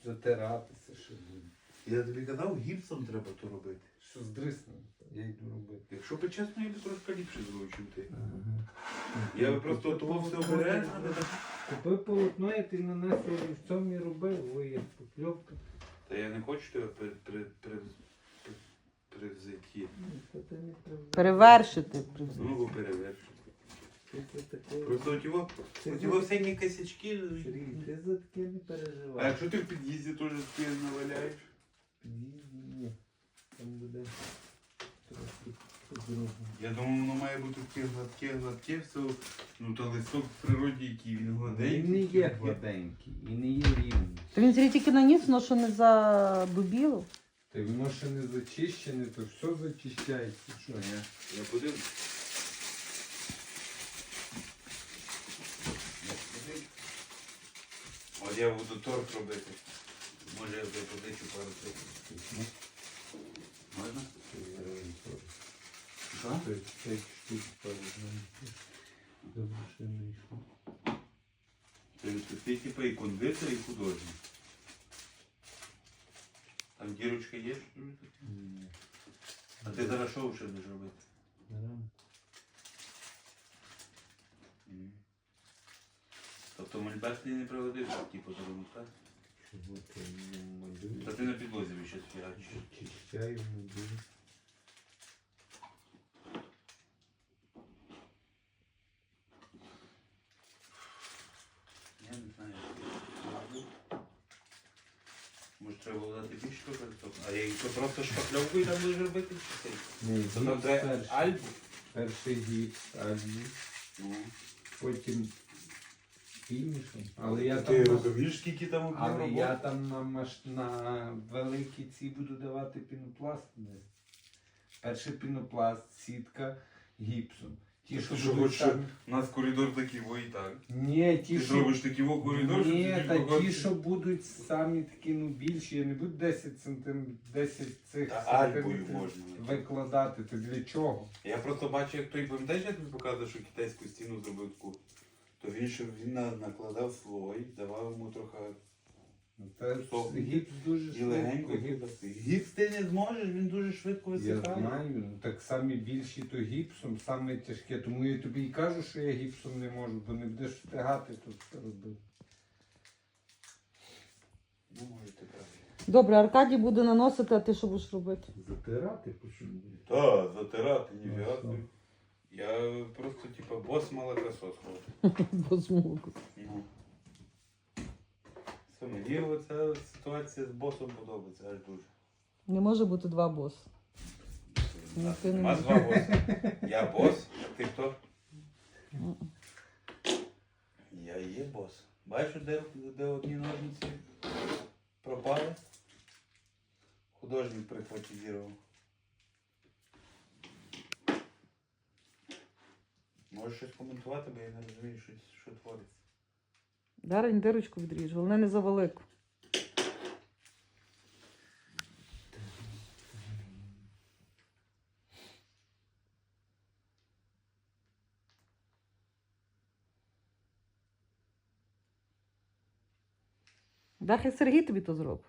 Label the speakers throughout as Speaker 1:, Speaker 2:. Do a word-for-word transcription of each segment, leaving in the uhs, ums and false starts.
Speaker 1: затиратися ще буде.
Speaker 2: Я тобі казав, гіпсом треба то робити.
Speaker 1: Що здриснув, я йду робити.
Speaker 2: Якщо би чесно, я би трошки ліпше зробив, чим ти.
Speaker 1: Ага.
Speaker 2: Я би просто того все обережно, але так.
Speaker 1: Купив полотно, і ти нанесло олівцем і робив, ой, як покльовка.
Speaker 2: Та я не хочу тебе при, при, при, при, привзяті.
Speaker 1: Ну, та ти не правда.
Speaker 3: Перевершити.
Speaker 2: Ну, бо перевершити.
Speaker 1: Ти за таке-
Speaker 2: Просто у тебе,
Speaker 1: Ти
Speaker 2: у
Speaker 1: за-
Speaker 2: тебе всякі косячки.
Speaker 1: Сергій, ти за таке не
Speaker 2: А
Speaker 1: переживай.
Speaker 2: якщо ти в під'їзді теж таке наваляєш?
Speaker 1: Під'їзді ні. Там буде трохи по-другому.
Speaker 2: Я думаю, воно має бути таке гладке, гладке, все. Ну, то листок в природі, який він гладенький.
Speaker 1: Він не є гладенький і не є рівний.
Speaker 3: То він Сергій тільки наніс, воно що не задубіло.
Speaker 1: Та й воно ще не зачищене, то все зачищається. Що?
Speaker 2: Я, я подивлюсь. Я подивлюсь. От я буду торт робити. Може я тобі позичу пару цих. Можна? Що?
Speaker 1: Це п'ять штук пару. Добре, що не йшло.
Speaker 2: Ти, ти, ти типу і кондитер, і художник. Там дірочка є? Що ли тут?
Speaker 1: Ні.
Speaker 2: А ти зараз що ще будеш робити?
Speaker 1: Рамку.
Speaker 2: М. Тобто мольберт ти не пригодився, типу, зробити, так?
Speaker 1: Чого ти не малюєш?
Speaker 2: Та ти на підлозі ще фігачиш.
Speaker 1: Очищаю, малюю.
Speaker 2: Я не знаю, як я це роблю. Може треба було дати більше картоп? А я їх просто шпакльовкою там будеш робити? Чи це?
Speaker 1: Ні,
Speaker 2: То там
Speaker 1: гіпс
Speaker 2: треба
Speaker 1: перший.
Speaker 2: альбу?
Speaker 1: Перший гіпс, альбу,
Speaker 2: Ну.
Speaker 1: потім фінішом. Але я
Speaker 2: Ти
Speaker 1: там, на-
Speaker 2: розумієш, скільки там об'єм
Speaker 1: але я
Speaker 2: роботи?
Speaker 1: там на, маш... на великій ці буду давати пінопласт. Перший пінопласт, сітка гіпсом. Ті, що
Speaker 2: Ти що,
Speaker 1: будуть
Speaker 2: хочеш,
Speaker 1: там...
Speaker 2: у нас коридор такий, во і так.
Speaker 1: Ні, ті,
Speaker 2: Ти
Speaker 1: що...
Speaker 2: зробиш такий во коридор,
Speaker 1: Ні,
Speaker 2: що
Speaker 1: та
Speaker 2: багато-
Speaker 1: ті, що будуть самі такі, ну, більші, я не буду десять сантиметрів, десять цих
Speaker 2: Та альбою
Speaker 1: сантиметрів
Speaker 2: можна.
Speaker 1: викладати. То для чого?
Speaker 2: Я просто бачу, як той пам'ятаєш, я тобі показував, що китайську стіну зробив таку. То він ще він на- накладав слой, давав йому трохи
Speaker 1: Ну, Та
Speaker 2: Стоп.
Speaker 1: гіпс дуже
Speaker 2: і легенько.
Speaker 1: швидко. Гіпс.
Speaker 2: Гіпс ти не зможеш, він дуже швидко
Speaker 1: Я
Speaker 2: висихає.
Speaker 1: знаю, ну, так самі більші то гіпсом, саме тяжке. Тому я тобі і кажу, що я гіпсом не можу, бо не будеш встигати тут це робити.
Speaker 2: Ну, може ти правильно.
Speaker 3: Добре, Аркадій буде наносити, а ти що будеш робити?
Speaker 1: Затирати почему?
Speaker 2: Та, затирати, ніфіга.
Speaker 1: Ну,
Speaker 2: собі. Я просто, типа, бос молокосос ходить.
Speaker 3: Бо змогу.
Speaker 2: Ну. Все, мені оця ситуація з босом подобається аж дуже.
Speaker 3: Не може бути два боси. Ну, ти не
Speaker 2: Нема
Speaker 3: можеш.
Speaker 2: два боси. Я бос, а ти хто?
Speaker 3: Мгм.
Speaker 2: Я є бос. Бачиш, де, де одні ножниці пропали? Художник прихватизував. Можеш щось коментувати, бо я не розумію, що, що твориться.
Speaker 3: Дарень дирочку відріж, головне не за велику. Да, хай Сергій тобі то зробить.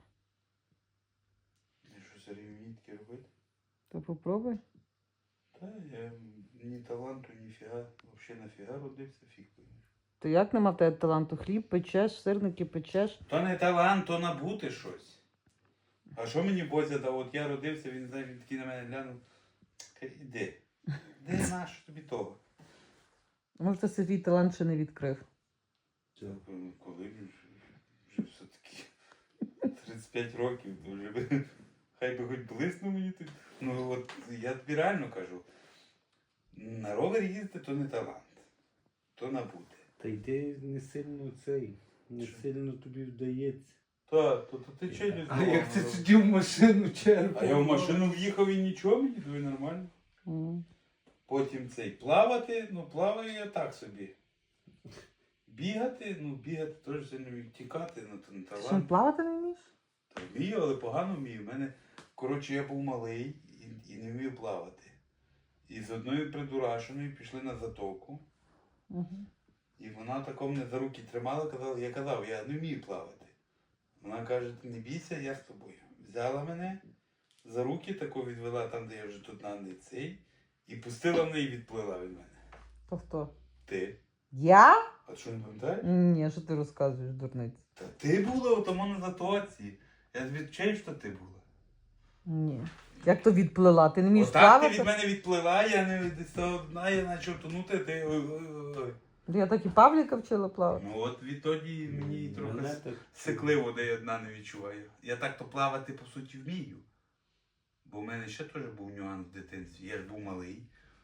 Speaker 2: Я що, Сергій вміє таке робити?
Speaker 3: То попробуй.
Speaker 2: Та я ні таланту, ні фіга. Взагалі нафіга родився, фіг поймеш.
Speaker 3: То як нема в тебе таланту? Хліб печеш, сирники печеш.
Speaker 2: То не талант, то набути щось. А що мені Бозя дав? От я родився, він, знаєш, він такий на мене глянув. Каже, іди. Де наш тобі того?
Speaker 3: Може, це Сергій талант ще не відкрив.
Speaker 2: Ну, коли він вже, вже все-таки тридцять п'ять років, то вже би, хай би хоч блиснув мені тут. Ну от я тобі реально кажу, на ровер їздити то не талант, то набути.
Speaker 1: Та йди не сильно цей, не
Speaker 2: Що?
Speaker 1: сильно тобі вдається.
Speaker 2: Та, то, то ти чи не
Speaker 1: А як ти тоді в машину черпав?
Speaker 2: А я в машину в'їхав і нічого, мені тобі нормально.
Speaker 3: М.
Speaker 2: Потім цей плавати, ну плаваю я так собі. Бігати, ну бігати теж сильно вмію. Тікати, ну то не
Speaker 3: Ти що,
Speaker 2: талант.
Speaker 3: плавати не вмієш?
Speaker 2: Та вмію, але погано вмію. У мене, коротше, я був малий і, і не вмів плавати. І з одною придурашеною пішли на затоку.
Speaker 3: Угу.
Speaker 2: І вона тако мене за руки тримала, казала, я казав, я не вмію плавати. Вона каже, ти не бійся, я з тобою. Взяла мене за руки, тако відвела там, де я вже тут на цей, і пустила мене і відплила від мене.
Speaker 3: То хто?
Speaker 2: Ти.
Speaker 3: Я?
Speaker 2: А що не пам'ятаєш?
Speaker 3: Ні, що ти розказуєш, дурниць?
Speaker 2: Та ти була у тому на затоці. Я тобі вчаю, що ти була.
Speaker 3: Ні. Як то відплила? Ти не вмієш
Speaker 2: Отак ти
Speaker 3: плавати?
Speaker 2: від мене відплила, я не десь одна, я почав тонути, ти. ой-ой-ой.
Speaker 3: Я так і Павліка вчила плавати.
Speaker 2: Ну от відтоді мені трохи
Speaker 1: Мене
Speaker 2: с-
Speaker 1: так-
Speaker 2: секливо, де я одна не відчуваю. Я так то плавати, по суті, вмію. Бо в мене ще теж був нюанс в дитинстві. Я ж був малий.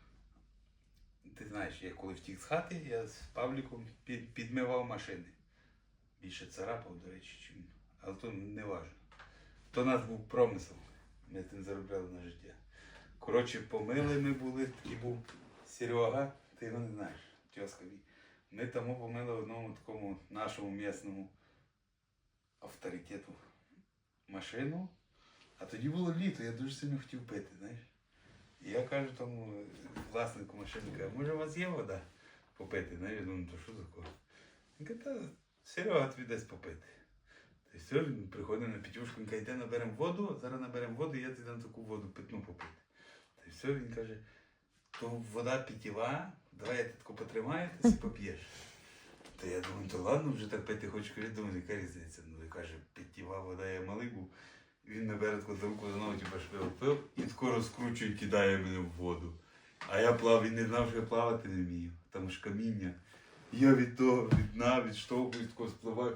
Speaker 2: Ти знаєш, я коли втік з хати, я з Павліком під, підмивав машини. Більше царапав, до речі, чим. Але то не важливо. То у нас був промисел. Ми тим заробляли на життя. Коротше, помили ми були, такий був Серега, ти його не знаєш, тьоска мій. Ми тому помили одному такому нашому місному авторитету машину. А тоді було літо, я дуже сильно хотів пити, знаєш. І я кажу тому власнику машини, кажу, може у вас є вода попити? Знаєш, я думаю, то що за кого? Він каже, та Серега тобі дасть попити. Та й все, він приходить на Петюшку, він каже, йде наберемо воду, зараз наберемо воду, і я тобі дам таку воду питну попити. Та й все, він каже, то вода питєва, давай я тебе таку потримаю, ти си поп'єш. Та я думаю, то ладно, вже так пити хочу, кажу, думаю, яка різниця. Ну, і каже, питєва вода, я малий був. Він набере таку за руку знову типу, швив пив і скоро скручує і кидає мене в воду. А я плав, він не знав, що я плавати не вмію. Там ж каміння. І я від того, від дна, відштовхуюсь, тако спливаю.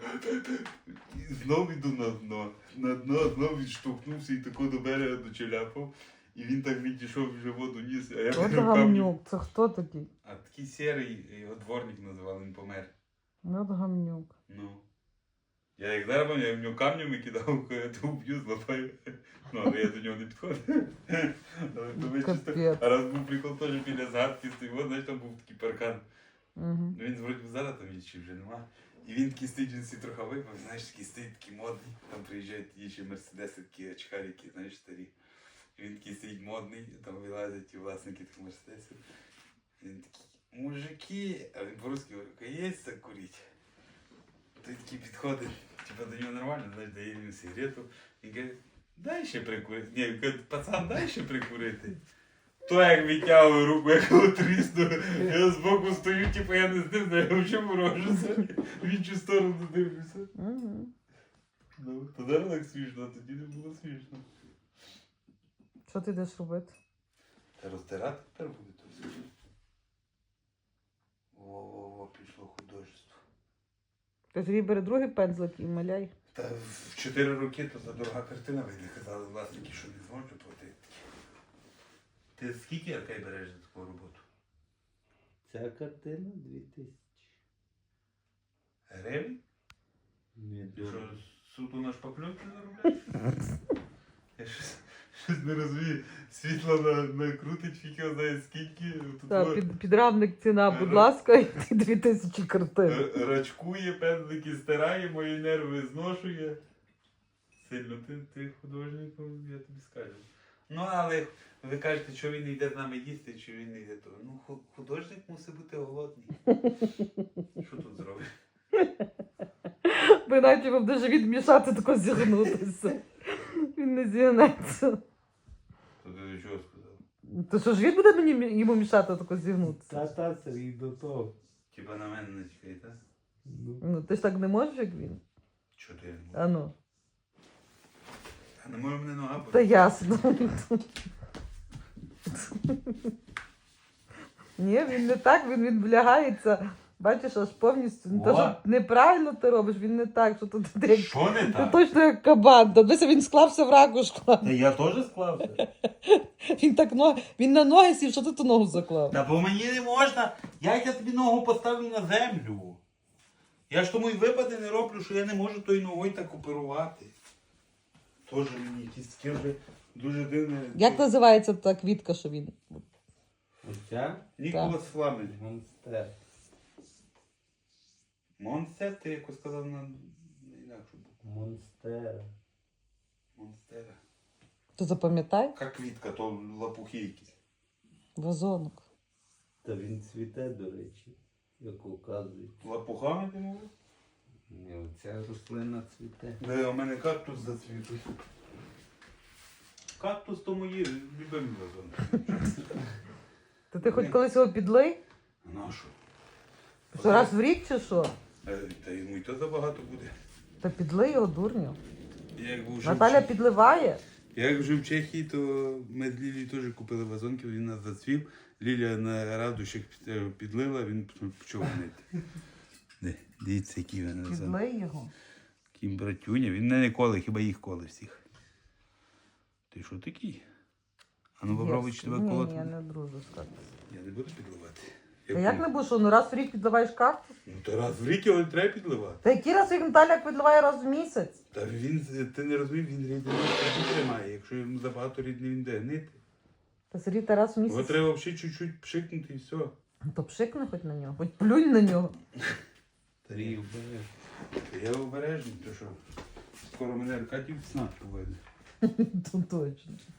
Speaker 2: І знов іду на дно. На дно знов відштовхнувся і тако до берега дочеляпав. І він так відійшов, вже воду ніс. А я
Speaker 3: От
Speaker 2: беру камінь.
Speaker 3: гамнюк, це хто такий?
Speaker 2: А такий сірий, його дворник називали, він помер.
Speaker 3: От гамнюк.
Speaker 2: Ну. Я як зараз пам'ятаю, я в нього камнями кидав, я то вб'ю, злапаю. Ну, але я до нього не підходив. Але то ви чисто.
Speaker 3: Капець.
Speaker 2: А раз був прикол теж біля згадки стоїть, от, знаєш, там був такий паркан.
Speaker 3: Угу.
Speaker 2: Ну він вроді би зараз там чи вже нема. І він такий стоїть, він всі трохи випав, знаєш, такий стоїть, такий модний. Там приїжджають ті ще мерседеси, такі очкарики, знаєш, старі. І він такий стоїть модний, там вилазять ті власники тих мерседесів. І він такий, мужики, а він по-русски говорить, є це курить? Той такий підходить, типа до нього нормально, знаєш, дає йому сигарету. Він каже, дай ще прикурити. Ні, він каже, пацан, дай ще прикурити. То як відтягує руку, як його трісну, я збоку стою, типу я не з ним, я взагалі ворожуся. В іншу сторону дивлюся.
Speaker 3: Угу.
Speaker 2: Ну, то зараз так смішно, а тоді не було смішно.
Speaker 3: Що ти йдеш робити?
Speaker 2: Та роздирати тепер буде то все. Во-во-во, пішло художество.
Speaker 3: Ти тоді бери другий пензлик і маляй.
Speaker 2: Та в чотири роки то за дорога картина вийде, казали власники, що не зможуть платити. Ти скільки Аркай береш за таку роботу?
Speaker 1: Ця картина дві тисячі.
Speaker 2: Гривень?
Speaker 1: Не
Speaker 2: Ти
Speaker 1: дорого.
Speaker 2: що, суто на шпакльовці заробляєш? Я щось, щось не розумію. Світло на, накрутить, фіг його знає скільки. Тут
Speaker 3: Так,
Speaker 2: во-
Speaker 3: під, підрамник ціна, будь ласка, і ти дві тисячі картин.
Speaker 2: р- рачкує, пензлики стирає, мої нерви зношує. Сильно ти, ти художник, ну, я тобі скажу. Ну, але ви кажете, що він не йде з нами їсти, чи він не йде того. Ну, ху- художник мусить бути голодний. Що тут зробиш?
Speaker 3: Бо іначе вам буде живіт мішати, тако зігнутися. Він не зігнеться.
Speaker 2: То ти до чого сказав?
Speaker 3: То що живіт буде мені мі- йому мішати тако зігнутися?
Speaker 1: Та та Сергій до того.
Speaker 2: Типа на мене не чекай, так?
Speaker 1: Ну,
Speaker 3: Ну, ти ж так не можеш, як він.
Speaker 2: Чого ти?
Speaker 3: А ну.
Speaker 2: А не може мене нога
Speaker 3: Та
Speaker 2: болить?
Speaker 3: ясно. Ні, він не так, він відвлягається. Бачиш, аж повністю. Не те, що
Speaker 1: О!
Speaker 3: неправильно ти робиш, він не так, що тут ти як.
Speaker 2: Що не
Speaker 3: Ти
Speaker 2: так?
Speaker 3: точно як кабан. Та дивися, він склався в ракушку.
Speaker 1: Та я теж склався.
Speaker 3: Він так но... він на ноги сів, що ти ту ногу заклав.
Speaker 2: Та бо мені не можна. Як я тобі ногу поставлю на землю? Я ж тому й випади не роблю, що я не можу тою ногою так оперувати. Тоже мені якісь таке вже дуже дивне.
Speaker 3: Як називається та квітка, що він?
Speaker 1: Оця
Speaker 2: Ніколас Фламель.
Speaker 1: монстер.
Speaker 2: Монстер, ти якось сказав на, на інакшу букву.
Speaker 1: Монстера.
Speaker 2: Монстера.
Speaker 3: То запам'ятай?
Speaker 2: Яка квітка, то лапухи якісь.
Speaker 3: Вазонок.
Speaker 1: Та він цвіте, до речі, як указує.
Speaker 2: Лапухами ти мовив?
Speaker 1: І оця рослина цвіте.
Speaker 2: Де у мене кактус зацвітуть. Кактус то мої любимі вазони.
Speaker 3: Та ти хоч колись його підлий?
Speaker 2: На що?
Speaker 3: Що раз в рік чи що?
Speaker 2: Е, Та йому й то забагато буде.
Speaker 3: Та підлий його, дурню.
Speaker 2: Я як був вже в
Speaker 3: Наталя
Speaker 2: Чехії-
Speaker 3: підливає.
Speaker 2: Я як жив в Чехії, то ми з Лілією теж купили вазонки, він нас зацвів. Лілія на радощах під- е, підлила, він почав гнити. Де, дивіться, які він вазон.
Speaker 3: Підлий його.
Speaker 2: Такий братюня, він мене не коле, хіба їх коле всіх. Ти що такий? А ну попробуй, чи тебе
Speaker 3: Ні,
Speaker 2: колоти.
Speaker 3: ні, я не дружу з кактусом.
Speaker 2: Я не буду підливати.
Speaker 3: Та як не будеш, ну раз в рік підливаєш кактус?
Speaker 2: Ну то раз в рік його не треба підливати.
Speaker 3: Та який раз в рік Наталя як підливає раз в місяць?
Speaker 2: Та він, ти не розумів, він рідину тоді тримає. Якщо йому забагато рідини, він де гнити.
Speaker 3: Та Сергій, та раз в
Speaker 2: Його
Speaker 3: місяць.
Speaker 2: треба взагалі чуть-чуть пшикнути і все.
Speaker 3: Ну, то пшикни хоч на нього, хоч плюнь на нього.
Speaker 1: Тарій вбере.
Speaker 2: Я обережний, то що скоро мене Аркадій в снах поведе.
Speaker 3: То точно.